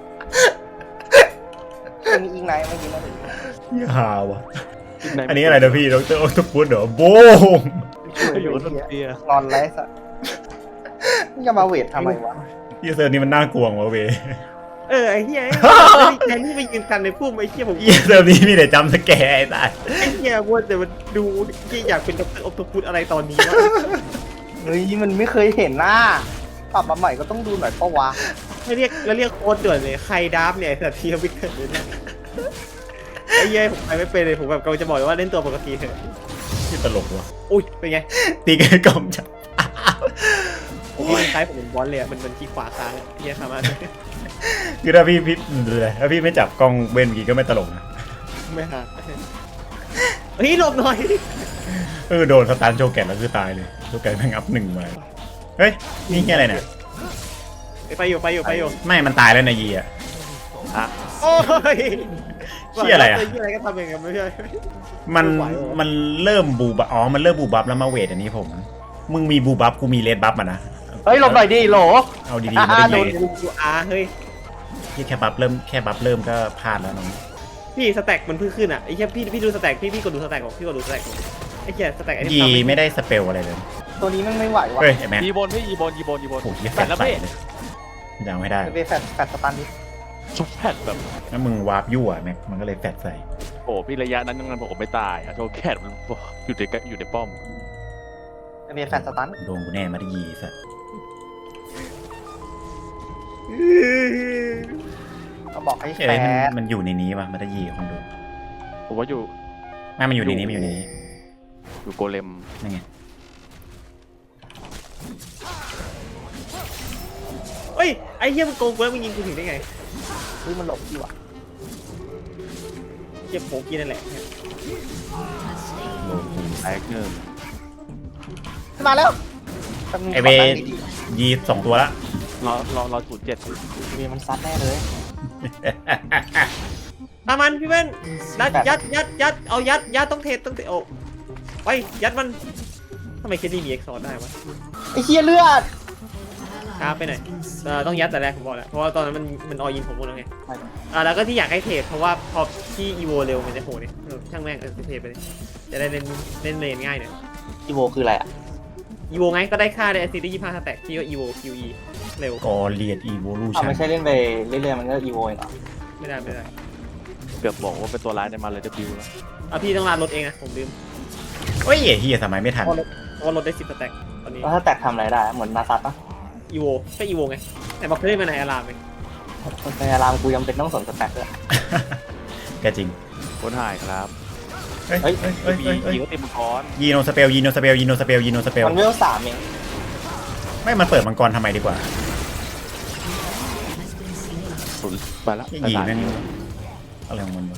[SPEAKER 2] มันมีอีกไหนเมื่อกี้มัน
[SPEAKER 1] เหี้ยหาวะอันนี้อะไรนะพี่ด็อกเตอร์ออกตัวปูดเหรอโบง
[SPEAKER 2] ช่วย
[SPEAKER 5] อยู่
[SPEAKER 2] เล
[SPEAKER 5] บน
[SPEAKER 2] ย
[SPEAKER 5] เตีย
[SPEAKER 2] นอนไรสัตว์มึงจะมาเวททำไมวะ
[SPEAKER 1] เยี่ยเซอร์นี่มันน่ากลัววะเวย
[SPEAKER 3] เออไอ้เหี้ยแทนที่ไปยืนกันในพุ่มไอ้เหี้ยผม
[SPEAKER 1] เยี่ยเซอร์นี่มีแต่จัมป์สแกร์ไอ้ตาย
[SPEAKER 3] ไอ้เหี้ยว่าแต่มันดูที่อยากเป็นด็อกเตอร์ออฟตัวพูดอะไรตอนนี้วะ
[SPEAKER 2] เฮ้ยมันไม่เคยเห็นหน้าปรับมาใหม่ก็ต้องดูหน่อยปะวะ
[SPEAKER 3] ให้เรียกแล้วเรียกโค้ดด่วนเลยใครดับเนี่ยแต่ทีมวิกเตอร์เลยนะอ้เหี้ยผมไปไม่เป็นเลยผมแบบกำลังจะบอกเลยว่าเล่นตัวปกติเถอะ
[SPEAKER 1] ที่ตลกว่ะ
[SPEAKER 3] อุ้ยเป็นไง
[SPEAKER 1] ตีกันกล่องจับ
[SPEAKER 3] โอ้ยคล้ายผมเป็นบอลเลยอะมันมันที่ขวาค้างอะเหี้ยสามารถ
[SPEAKER 1] คือถ้าพี่พี่เลยถ้าพี่ไม่จับกล้องเว้นเมื่อกี้ก็ไม่ตลกนะ
[SPEAKER 3] ไม่หาเฮ้ยหลบหน่อย
[SPEAKER 1] เออโดนสตาร์ทโชว์แกนแล้วคือตายเลยโชว์แกนแม่งอัพหนึ่งมาเฮ้ยนี่แค่อะไรเนี่ย
[SPEAKER 3] ไปอยู่ไปอยู่ไปอยู่
[SPEAKER 1] ไม่มันตายแล้วนายยีอ่ะ
[SPEAKER 5] อ่ะ
[SPEAKER 3] โอ้ย
[SPEAKER 1] เหี้ยอะไรอะ
[SPEAKER 3] เหี้ยอะไรก็ทำเองกันไม่ใช่
[SPEAKER 1] มัน
[SPEAKER 3] ไม่ไหวหรอ
[SPEAKER 1] มันเริ่มบูบับอ๋อมันเริ่มบูบับแล้วมาเวทอันนี้ผมมึงมีบูบับกูมีเลดบัฟอ่ะนะ
[SPEAKER 2] เฮ้ยหลบหน่อยดิโหล
[SPEAKER 1] เอาดีๆไม่ได้
[SPEAKER 3] โด
[SPEAKER 1] ยิ
[SPEAKER 3] น
[SPEAKER 1] ง
[SPEAKER 3] กูอาเฮ้ย
[SPEAKER 1] ที่แค่บัฟเริ่มแค่บัฟเริ่มก็พลาดแล้วน้อง
[SPEAKER 3] พี่สแต็กมันเพิ่งขึ้นอ่ะไอ้แค่พี่พี่ดูสแต็กพี่พี่กดดูสแต็กของพี่กดดูสแต็กของไอ้แค่สแต็กไอ้
[SPEAKER 1] ยี
[SPEAKER 3] นี่
[SPEAKER 1] ไม่ได้สเปลอะไรเลย
[SPEAKER 2] ตัวนี้มันไม่ไหวว่ะ
[SPEAKER 1] เฮ้ยไอ้แม็ก
[SPEAKER 5] ยีบนพี่ยีบนยีบนยีบน
[SPEAKER 1] โอ้โหแฟ
[SPEAKER 5] แฟ
[SPEAKER 1] ด
[SPEAKER 5] ดแล้ว
[SPEAKER 1] ใส่
[SPEAKER 5] พี่
[SPEAKER 1] เลยยังไม่ได้
[SPEAKER 2] ไปแฟดแฟดสตันดิ
[SPEAKER 5] ชุบแฟดแบบ
[SPEAKER 1] แล้วมึงวาร์ปยั่วแม็กมันก็เลยแฟดใส่
[SPEAKER 5] โอ้พี่ระยะนั้นยังผมไม่ตายอะโชว์แคทมันอยู่ในอยู่ในป้อม
[SPEAKER 2] ไปแฟดสตัน
[SPEAKER 1] โดนกูแน่มาได้ยีสัตว์
[SPEAKER 2] ก็บอกให้
[SPEAKER 1] เอ้
[SPEAKER 2] แฟ
[SPEAKER 1] ยมัน
[SPEAKER 2] ด
[SPEAKER 1] มันอยู่ในนี้ป่ะมาได้ยีของดู
[SPEAKER 5] ผมว่าอยู่
[SPEAKER 1] ไม่มันอยู่ในนี้มันอยู่ในนี้
[SPEAKER 5] อยู่โกเลม
[SPEAKER 1] นั่นไง
[SPEAKER 3] เฮ้ยไอ้เหี้ยมันโกงกูแล้วมึงยิงกูถึงได้ไง
[SPEAKER 2] เฮ้ยมันหลบดีว่ะ
[SPEAKER 3] เหี้ยโผล่กินนั่นแหละ
[SPEAKER 1] โดนกู
[SPEAKER 5] แตกหนึ่ง
[SPEAKER 2] ขึ้นมาแล้วแป๊บนึง
[SPEAKER 1] ไอเว
[SPEAKER 2] ขตั้งดี
[SPEAKER 1] ยีสองตัวละ
[SPEAKER 5] รอรอรอศูนย์เจ็ด
[SPEAKER 2] ๆเวมันซัดแน่เลย
[SPEAKER 3] ตามมันพี่เว้นยัดยัดยัดยัดเอายัดยัดต้องเทต้องเทโอ้ไปยัดมันทำไมแค่นี้มีเอ็กซ์ซอร์ได้วะ
[SPEAKER 2] ไอ้เหี้ยเลือด
[SPEAKER 3] ช้าไปหน่อยเอ่อต้องยัดแต่แรกผมบอกแล้วเพราะว่าตอนนั้นมันมันออยินผมหมดแล้วไงอ่าแล้วก็ที่อยากให้เทรดเพราะว่าพอที่อีโวเร็วมันจะโหดเนี่ยเออช่างแม่งเออเทรดไปเลยจะได้เล่นเล่นเลนง่ายหน่อย
[SPEAKER 2] อีโวคืออะไรอ่ะ
[SPEAKER 3] อีโวไงก็ได้ค่าได้แอสซิดได้ยี่สิบห้าสแต็กที่ว่าอีโวคิวอีเร็ว
[SPEAKER 1] กอเลียดอีโวลู
[SPEAKER 2] อ้าว
[SPEAKER 1] ชัน
[SPEAKER 2] ไม่ใช่เล่นไปเรื่อยๆมันก็อีโวเองเหรอ
[SPEAKER 3] ไม่ได้ไม่ได้
[SPEAKER 5] เกือบบอกว่าเป็นตัวร้ายในมาเลยจะบิวแล้ว
[SPEAKER 3] อ่ะพี่ต้องลานรถเองนะผมลืม
[SPEAKER 1] โอ้ยเฮียสมัยไม่ทัน
[SPEAKER 3] เพราะรถเพราะว่ารถได้สิบสแต็กตอนนี้
[SPEAKER 2] แล้วถ้าแตกทำอะไรได้เหมือนนาซัตปะ
[SPEAKER 3] อีโวก็อีโวไงแต่บอกเคยเล่นมาในอารามไง
[SPEAKER 2] ในอารามกูยังเป็นต้องสนสแต็กเลย
[SPEAKER 1] ก็จริง
[SPEAKER 5] คนหายครับ
[SPEAKER 1] เฮ้ย
[SPEAKER 2] เฮ้ย
[SPEAKER 1] เฮ้ยเฮ้ย
[SPEAKER 5] มี
[SPEAKER 1] เฮ้ยเฮ้ย
[SPEAKER 5] ยีก็เต็มมังกร
[SPEAKER 1] ยีโนสเปลยีโนสเปลยีโนสเปลยีโนสเปล
[SPEAKER 2] มันเวลสามเอง
[SPEAKER 1] ไม่มันเปิดมังกรทำไมดีกว่า
[SPEAKER 5] ศูนย์ไปแล้ว
[SPEAKER 1] ไอ้
[SPEAKER 5] ไป
[SPEAKER 1] ยี
[SPEAKER 5] ตาย
[SPEAKER 1] แม่งอะไรของมันวะ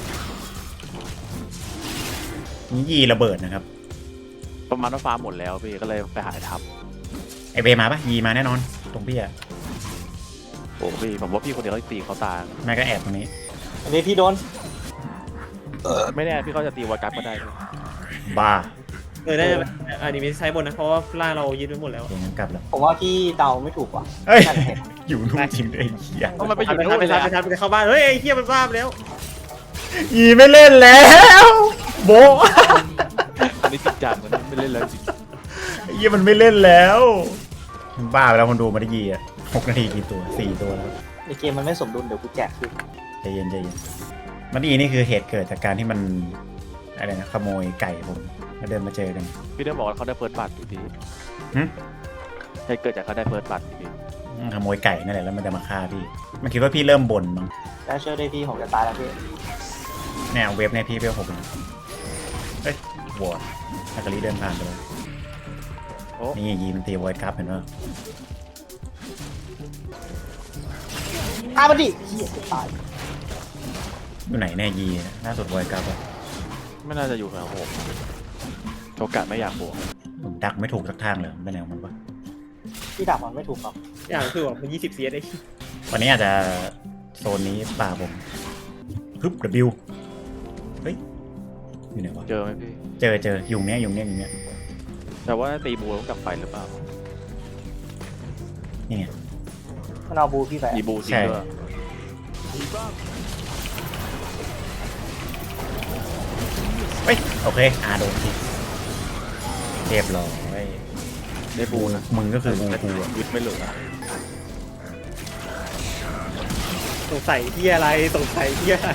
[SPEAKER 1] นี่ยีระเบิดนะครับ
[SPEAKER 5] ประมาณว่าฟาร์มหมดแล้วพี่ก็เลยไปหาทับ
[SPEAKER 1] ไอเบมาปะยีมาแน่นอน ตรงพี่อะ
[SPEAKER 5] โอ้พี่ผมว่าพี่คนเดียวเขาตีเขาตาย
[SPEAKER 1] แม่ก็แอบตรงนี้
[SPEAKER 2] อันนี้พี่โดน
[SPEAKER 5] ไม่แน่พี่เขาจะตีวากัสก็ได้ด้วย
[SPEAKER 1] บ้า
[SPEAKER 3] เออได้ไหมอันนี้ไม่ใช้บนนะเพราะว่าล่างเรายึดไว้หมดแล้ว
[SPEAKER 1] เดี๋ยวงั้นกลับแล้ว
[SPEAKER 2] ผมว่าพี่เดาไม่ถูกว่ะ
[SPEAKER 1] เฮ้ย
[SPEAKER 2] นั่นเห็น
[SPEAKER 1] อยู่นู่นจริงด้วยไอ้เหี้ย
[SPEAKER 5] ต้องมันไปอยู่
[SPEAKER 3] ไป
[SPEAKER 5] นู่น
[SPEAKER 3] ไป
[SPEAKER 5] เลย
[SPEAKER 3] ทับไปทับไปเข้าบ้านเฮ้ยไอ้เหี้ยมันบ้าไปแล้ว
[SPEAKER 1] ยีไม่เล่นแล้ว โบะ
[SPEAKER 5] อันนี้จริงจังมันไม่เล่นแล้วจริง
[SPEAKER 1] ไอ้เหี้ยมันไม่เล่นแล้วมันบ้าไปแล้วคนดูมาได้ยีอะหกนาทีกี่ตัวสี่ตัวแล้ว
[SPEAKER 2] ในเกมมันไม่สมดุลเดี๋ยวกูแจกคืน
[SPEAKER 1] ใจเย็นใจเย็นมันดีนี่คือเหตุเกิดจากการที่มันอะไรนะขโมยไก่ผมแล้วเดินมาเจอกัน
[SPEAKER 5] พี่ได้บอกว่าเขาได้เฟิร์สบัตรอยู่ดี
[SPEAKER 1] หึ
[SPEAKER 5] ให้เกิดจากเขาได้เฟิร์สบัตรอยู่ดี
[SPEAKER 1] ขโมยไก่นั่นแหละแล้วมันจะมาฆ่าพี่มันคิดว่าพี่เริ่มบ่นมั้ง
[SPEAKER 2] ได้ช่วยได้พี่ผมจะตายแล้วพี่
[SPEAKER 1] แนวเว็บในพี่เวลหกนะเฮ้ยวอร์ดอากาลีเดินผ่านไปแล้ว
[SPEAKER 5] โอ้
[SPEAKER 1] นี่ยีมันตีไวท์ครับเห็นป่ะ
[SPEAKER 2] ตายมันดิเหี้ยตาย
[SPEAKER 1] อยู่ไหนแน่ยีล่าสุดไวท์ครับอะ
[SPEAKER 5] ไม่น่าจะอยู่แถวผมโอกาสไม่อยากบวก
[SPEAKER 1] ผมดักไม่ถูกสักทางเลยไปไหนของมันวะ
[SPEAKER 2] พี่ดักมันไม่ถูกหรอก
[SPEAKER 3] อย่างคือแบบมันยี่สิบเซียได้
[SPEAKER 1] วันนี้อาจจะโซนนี้ป่าผมฮึบ W เฮ้ยอยู่ไหนวะ
[SPEAKER 5] เจอไหมพี่
[SPEAKER 1] เจอเจอยุงเนี้ยยุงเนี้ยยุงเนี้ย
[SPEAKER 5] แต่ว่าตีบูต้องกลับไปหรือเปล่า
[SPEAKER 1] นี่ไง
[SPEAKER 2] มันเอาบูพี่ไป
[SPEAKER 5] มีบูจริงด้วย
[SPEAKER 1] เฮ้ยโอเคอาโดนทีเรียบร้อย
[SPEAKER 5] ได้บูนะ
[SPEAKER 1] มึงก็คือบูกูอะ
[SPEAKER 5] ยึดไม่เหลือ
[SPEAKER 3] สงสัยที่อะไรสงสัยที่อะไร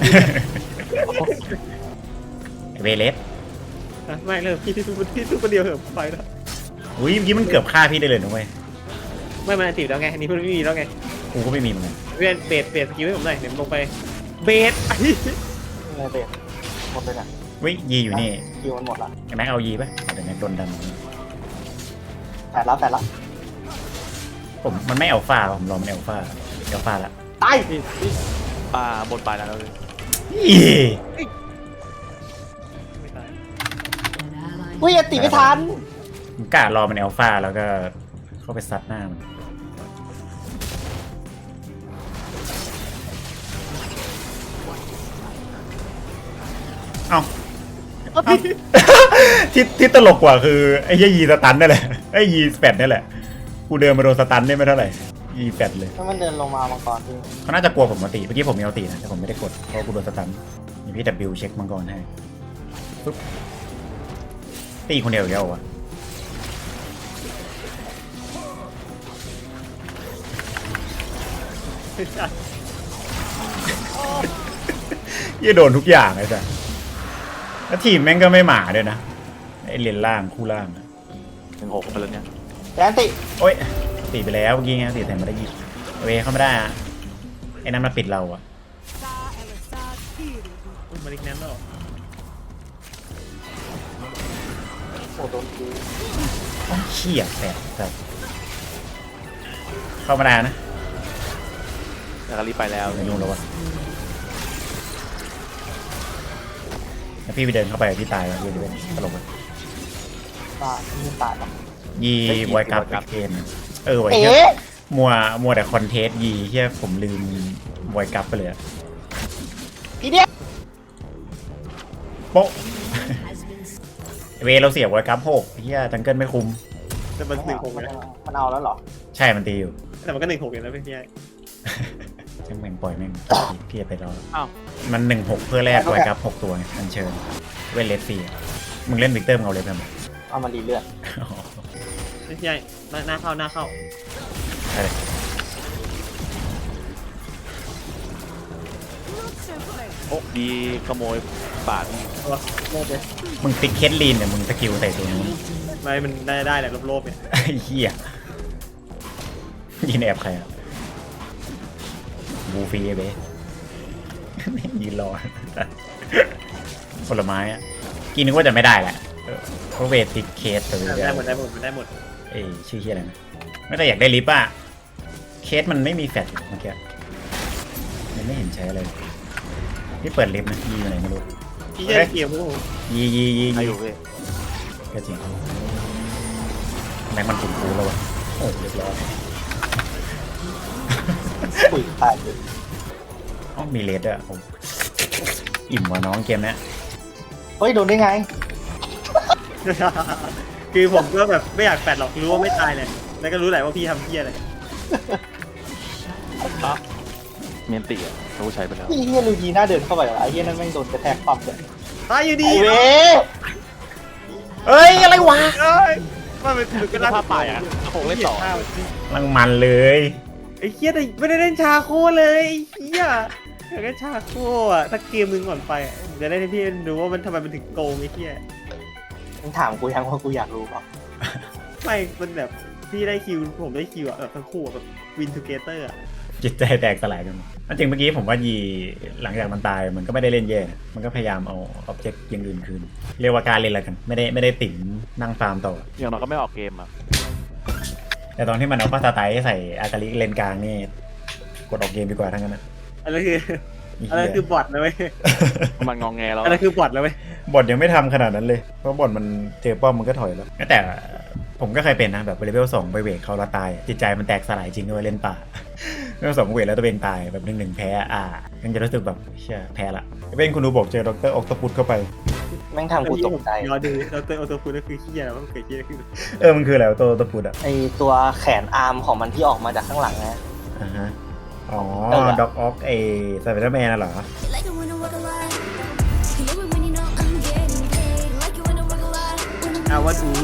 [SPEAKER 1] เวเลส
[SPEAKER 3] นะไม่เลยพี่ที่ทุกพี่ทุกคนเดียวเหอะไปแล้ว
[SPEAKER 1] อุ้ยเมื่อกี้มันเกือบฆ่าพี่ได้เลยนะเว้ย
[SPEAKER 3] ไม่มันติดแล้วไงอันนี้เพิ่งไม่มีแล้วไง
[SPEAKER 1] กูก็ไม่มีเหมือนกัน
[SPEAKER 3] เวียนเบสเบสสกิลให้ผมหน่อยเดี๋ยวผมลงไปเบสไอ้
[SPEAKER 2] เลยเบรกหมดเลยเนี่ย
[SPEAKER 1] วิยีอยู่นี่
[SPEAKER 2] คิวมันหมดละ
[SPEAKER 1] ไอ้แม็กเอายีปะเอาแต่แม็กโดนดัน
[SPEAKER 2] แปดแล้วแปดแล้ว
[SPEAKER 1] ผมมันไม่เอาฟ้าผมรอมันเอาฟ้าเอาฟ้าละ
[SPEAKER 2] ตาย
[SPEAKER 5] นี่นี่อ่าบนปลายแล้วเลย
[SPEAKER 1] อี
[SPEAKER 3] ไม่ตาย
[SPEAKER 4] An ally
[SPEAKER 2] อุ้ยตีไม่ทัน
[SPEAKER 1] ผมกล้ารอมันเอาฟ้าแล้วก็เข้าไปซัดหน้ามันเอ้า ที่ที่ตลกกว่าคือไอ้เหี้ยยีสตันนั่นแหละไอ้ยีแปดนี่แหละกูเดินมาโดนสตันได้ไม่เท่าไหร่ยีแปดเลย
[SPEAKER 2] ถ้ามันเดินลงมามังกรพี่
[SPEAKER 1] เขาน่าจะกลัวผมมาตีเมื่อกี้ผมมีเอาตีนะแต่ผมไม่ได้กดเพราะกูโดนสตันมีพี่ดับบิวเช็คมังกรให้ปุ๊บตีคนเดียวอีกแล้ววะยี่โดนทุกอย่างเลยจ้ะแล้วทีมแม่งก็ไม่หมาด้วยนะไอเลนล่างคู่ล่างอะ
[SPEAKER 5] หนึ่งหกไปแล้วเนี่ย
[SPEAKER 2] แดนติ
[SPEAKER 1] โอ๊ยตีไปแล้วเมื่อกี้ไงตีแต่ไม่ได้ยิงเวเข้าไม่ได้อะไอ้นั่นมาปิดเราอะ
[SPEAKER 3] อุ้ยมาลิกแนนแล้วเหรอ
[SPEAKER 2] โอ้โดนคิว
[SPEAKER 1] โอ้ยเชี่ยแสบแบบเข้ามาได้นะ
[SPEAKER 5] แล้วก็รีบไปแล้ว
[SPEAKER 1] ไม่ยุ่งแล้ววะแล้วพี่ไปเดินเข้าไปพี่ตายแล้วพี่จะเป็นตลกเลย
[SPEAKER 2] ตายไม่ตายหรอก
[SPEAKER 1] ยีไวกับเกนเออไว
[SPEAKER 2] เอ๊
[SPEAKER 1] เฮีย
[SPEAKER 2] ะ
[SPEAKER 1] มัวมัวแต่คอนเทสต์ยีเฮียผมลืมไวกับไปเลยอะ
[SPEAKER 2] พี่เนี่ย
[SPEAKER 1] โป๊ะ
[SPEAKER 4] has been
[SPEAKER 1] เวเราเสียไวกับหกเฮียจังเกิลไม่คุม
[SPEAKER 3] แต่มันหนึ่งหก
[SPEAKER 2] มัน
[SPEAKER 3] นะ
[SPEAKER 2] มันเอาแล้วเหรอ
[SPEAKER 1] ใช่มันตีอยู่
[SPEAKER 3] แต่มันก็หนึ่งหกอยู่นะพี่พี่ไอ้
[SPEAKER 1] ช่างแม่งปล่อยแม่งพี่จะไปรอ
[SPEAKER 5] อ้าว
[SPEAKER 1] มันหนึ่งหกเพื่อแลกไวกับหกตัวไงอันเชิญเว้นเลสซี่อะมึงเล่นวิกเตอร์มึงเอาเลยเพื่อน
[SPEAKER 2] เอามารีเลือด
[SPEAKER 3] พี่พี่ไอ้หน้าหน้าเข้าหน้าเข้า
[SPEAKER 1] ใช่
[SPEAKER 5] โอ้ดีขโมยบาทนี่
[SPEAKER 3] ตัวโลภเลย
[SPEAKER 1] มึงติ๊กเคสลีนเนี่ยมึงสกิลใส่ตัวนี้
[SPEAKER 3] ไม่มันได้ได้แหละโลภๆเนี่ย
[SPEAKER 1] ไอ้เหี้ยยินแอบใครอ่ะบูฟีเบ้ ยืนรอผลไม้อ่ะกินนึกว่าจะไม่ได้แหละเออเพราะเวทติดเคสตัวเดี
[SPEAKER 3] ได้
[SPEAKER 1] ยว
[SPEAKER 3] หมดได้หมดมันได้หมด
[SPEAKER 1] เอ้ยชื่อเฮียอะไรนะไม่แต่อยากได้ลิปอ่ะเคสมันไม่มีแฟลชเมื่อกี้มันไม่เห็นใช้อะไรเลยพี่เปิดลิฟต์นะยีอยู่ไหนไม่รู้
[SPEAKER 3] พี่จะได้เกี่ยวพวกผม
[SPEAKER 1] ยียียี
[SPEAKER 5] ใคร
[SPEAKER 1] ยี
[SPEAKER 5] อยู่พี่
[SPEAKER 1] ก็จริงแม็กมันปุ่มปูแล้ววะโอ้เรียบร้อย
[SPEAKER 2] ปุ๋ยตายเลย
[SPEAKER 1] อ๋อมีเลดด้วยโอ้อิ่มว่ะน้องเกมเนี้ย
[SPEAKER 2] เฮ้ยโดนได้ไง
[SPEAKER 3] คือผมก็แบบไม่อยากแปดหรอกรู้ว่าไม่ตายเลยแล้วก็รู้แหละว่าพี่ทำเพี้ยอะไร
[SPEAKER 5] อ่ะเมียนตีอ่ะเขาใช้ไปแล้ว
[SPEAKER 2] พี่เฮียลูยีน่าเดินเข้าไปเหรอไอ้เฮียนั่นแม่งโดนกระแทกปั๊บเลย
[SPEAKER 3] ตายอยู่ดี
[SPEAKER 2] ไอ้เว้
[SPEAKER 1] เอ้ยอะไรวะ
[SPEAKER 3] เอ้ยว่ามันมันก็
[SPEAKER 5] ก็
[SPEAKER 3] น่า
[SPEAKER 5] ภาพป่ายอ่ะโขงเล่นต่อ
[SPEAKER 1] ลังมันเลย
[SPEAKER 3] ไอ้เหี้ยแต่ไม่ได้เล่นชาโคเลยไอ้เหี้ยอยากเล่นชาโคอ่ะถ้าเกมมึงก่อนไปอะจะได้ให้พี่ดูว่ามันทำไมมันถึงโกงไอ้เหี้ย
[SPEAKER 2] มึงถามกูยังว่ากูอยากรู้เปล่า
[SPEAKER 3] ไม่มันแบบพี่ได้คิวผมได้คิวอ่ะแบบทั้งคู่อะแบบวินทูเกเตอร์อ่ะ
[SPEAKER 1] จิตใจแตกสลายกันหมดอันจริงเมื่อกี้ผมว่ายีหลังจากมันตายมันก็ไม่ได้เล่นแย่นะมันก็พยายามเอาอ็อบเจกต์อย่างอื่นคืนเรียกว่าการเล่นอะไรกัน ไม่ได้ไม่ได้ติ๋มนั่งฟาร์มต่อ
[SPEAKER 5] อย่างน้อยก็ไม่ออกเกมอ่ะ
[SPEAKER 1] แต่ตอนที่มันเอาป้าสไตล์ใส่อากาลิเลนกลางนี่กดออกเกมดีกว่าทั้งนั้นนะ
[SPEAKER 3] อันนั้นคืออันนั้นคือบอทนะเว้ย
[SPEAKER 5] มันงองแงแล้ว
[SPEAKER 3] อันนั้นคือบอทแล้วเว้ย
[SPEAKER 1] บอทยังไม่ทำขนาดนั้นเลยเพราะบอทมันเจอป้อมมันก็ถอยแล้วแต่ผมก็เคยเป็นนะแบบเลเวลสองไปเวทเขาแล้วตายจิตใจมันแตกสลายจริงด้วยเล่นป่า เลเวลสองเวทแล้วตัวเองตายแบบหนึ่งหนึ่งแพ้อ่ายังจะรู้สึกแบบเชื่อแพ้ละเป็นคุณดูบอกเจอดรออกตปุตเข้าไป
[SPEAKER 2] แม่งทำกูตกใจ
[SPEAKER 3] รอดูเราเตอร์ออโต้ฟูดก็คือเหี้ยแล้วมันเกิดเหี้ยขึ้น
[SPEAKER 1] เออมันคืออะไรวะตัวตปุตอ่ะ
[SPEAKER 2] ไอตัวแขนอาร์มของมันที่ออกมาจากข้างหลังไง
[SPEAKER 1] อ่าฮะอ๋อ
[SPEAKER 2] เออ
[SPEAKER 1] ด็อกออกไอสไปเดอร์แมนน่ะเหรอ
[SPEAKER 6] Like it when I walk a lot. You love it when you know I'm getting paid. Like it when I walk a lot. When I'm
[SPEAKER 3] อาวันอู